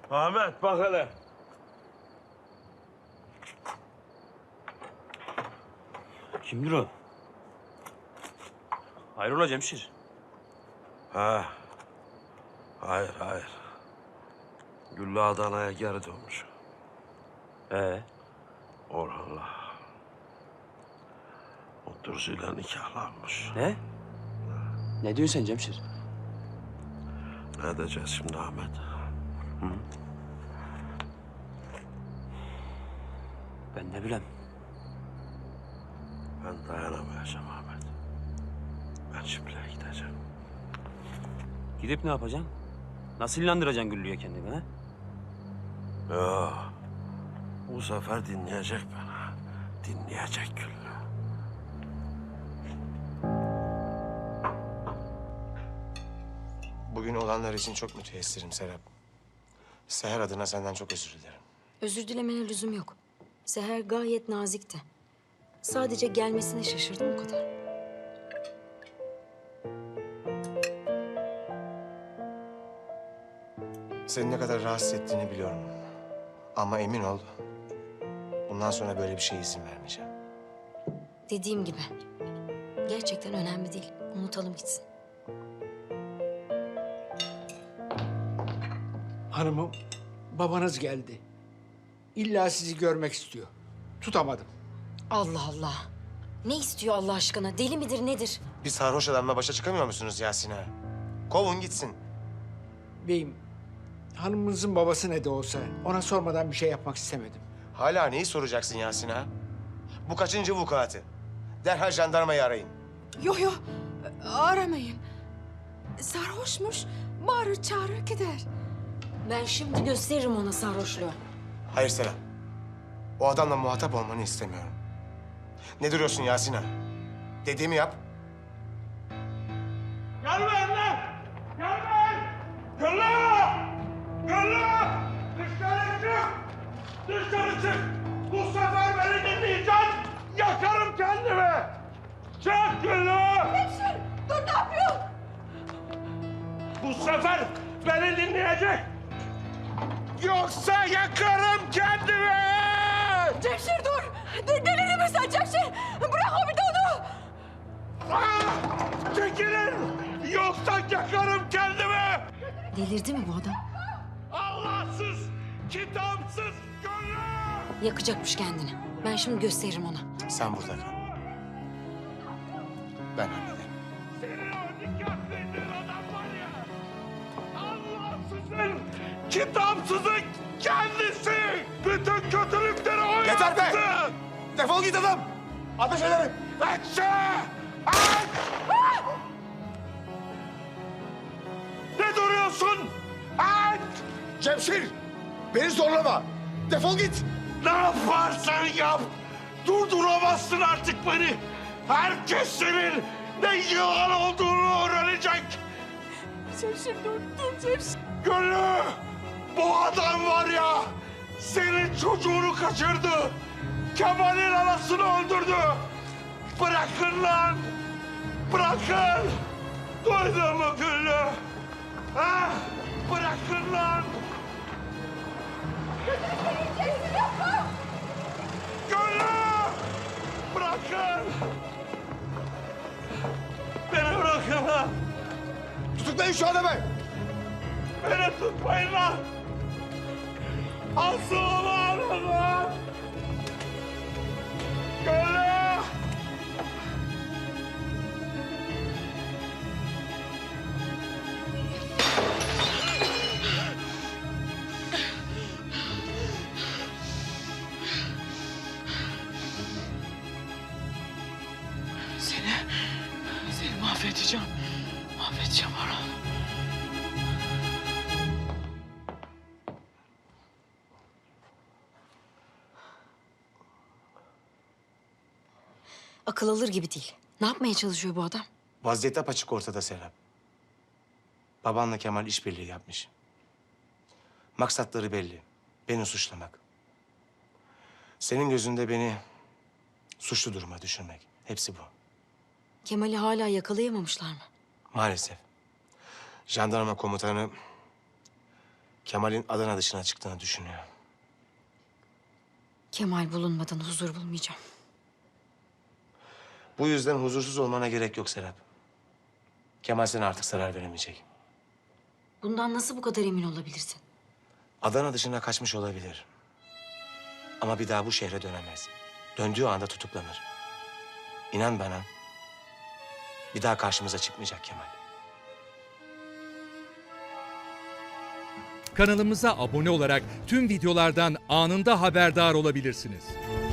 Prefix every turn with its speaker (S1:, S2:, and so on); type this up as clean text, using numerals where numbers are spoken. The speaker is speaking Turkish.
S1: Ahmet bak hele.
S2: Kimdir o? Hayrola Cemşir?
S1: Ha. Hayır. Güllü Adana'ya geri dönmüş. Orhan'la. O Dursu'yla nikahlanmış.
S2: Ne? Ne diyorsun sen Cemşir?
S1: Ne edeceğiz şimdi Ahmet?
S2: Ben ne bileyim.
S1: Ben dayanamayacağım Ahmet. Ben Çiftliğe gideceğim.
S2: Gidip ne yapacaksın? Nasıl inandıracaksın Güllü'ye kendini ha?
S1: Ya, bu sefer dinleyecek beni. Dinleyecek Güllü.
S3: Bugün olanlar için çok müteessirim Serap. Seher adına senden çok özür dilerim.
S4: Özür dilemene lüzum yok. Seher gayet nazikti. Sadece gelmesine şaşırdım o kadar.
S3: Seni ne kadar rahatsız ettiğini biliyorum. Ama emin ol, bundan sonra böyle bir şeye izin vermeyeceğim.
S4: Dediğim gibi. Gerçekten önemli değil. Unutalım gitsin.
S5: Hanımım, babanız geldi. İlla sizi görmek istiyor. Tutamadım.
S4: Allah Allah. Ne istiyor Allah aşkına? Deli midir nedir?
S3: Bir sarhoş adamla başa çıkamıyor musunuz Yasin ağa? Kovun gitsin.
S5: Beyim, hanımınızın babası ne de olsa ona sormadan bir şey yapmak istemedim.
S3: Hala neyi soracaksın Yasin ağa? Bu kaçıncı vukuatı? Derhal jandarmayı arayın.
S6: Yok aramayın. Sarhoşmuş, bağırır çağırır gider.
S4: Ben şimdi gösteririm ona sarhoşluğu.
S3: Hayır Serap. O adamla muhatap olmanı istemiyorum. Ne duruyorsun Yasin ağa? Dediğimi yap.
S1: Gelmeyin lan! Gelmeyin! Güllü! Güllü! Dışarı çık! Dışarı çık! Bu sefer beni dinleyeceksin! Yakarım kendimi! Çık Güllü!
S6: Hemşire, dur ne yapıyorsun?
S1: Bu sefer beni dinleyecek! Yoksa yakarım kendimi!
S6: Cemşir dur! Delirdin mi sen Cemşir? Bırak o bir de onu!
S1: Ah! Çekilin! Yoksa yakarım kendimi!
S4: Delirdi mi bu adam?
S1: Allahsız, kitapsız Güllü!
S4: Yakacakmış kendini. Ben şimdi gösteririm ona.
S3: Sen burada kal. Ben hallederim.
S1: Senin o nikah kıydığın adam var ya, Allahsızın, kitapsızın kendisi! Bütün kötülükleri o
S3: Yeter be!
S1: yaptı!
S3: Defol git adam! Ateş ederim!
S1: Ekşi! Aç! Ne duruyorsun? Aç!
S3: Cemşir! Beni zorlama! Defol git!
S1: Ne yaparsan yap! Durduramazsın artık beni! Herkes senin ne yılan olduğunu öğrenecek!
S6: Cemşir dur Cemşir.
S1: Güllü! Bu adam var ya, senin çocuğunu kaçırdı. Kemal'in anasını öldürdü. Bırakın lan! Bırakın! Duydun mu Güllü? Ha? Bırakın lan! Güllü! Bırakın! Beni bırakın lan!
S3: Tutuklayın şu adamı!
S1: Beni tutmayın lan! Asılımı alın lan! Güllü!
S6: Seni mahvedeceğim. Mahvedeceğim Orhan.
S4: Akıl alır gibi değil. Ne yapmaya çalışıyor bu adam?
S3: Vaziyet apaçık ortada Serap. Babanla Kemal işbirliği yapmış. Maksatları belli. Beni suçlamak. Senin gözünde beni suçlu duruma düşürmek. Hepsi bu.
S4: Kemal'i hala yakalayamamışlar mı?
S3: Maalesef. Jandarma komutanı Kemal'in Adana dışına çıktığını düşünüyor.
S4: Kemal bulunmadan huzur bulmayacağım.
S3: Bu yüzden huzursuz olmana gerek yok Serap. Kemal sana artık zarar veremeyecek.
S4: Bundan nasıl bu kadar emin olabilirsin?
S3: Adana dışına kaçmış olabilir. Ama bir daha bu şehre dönemez. Döndüğü anda tutuklanır. İnan bana, bir daha karşımıza çıkmayacak Kemal.
S7: Kanalımıza abone olarak tüm videolardan anında haberdar olabilirsiniz.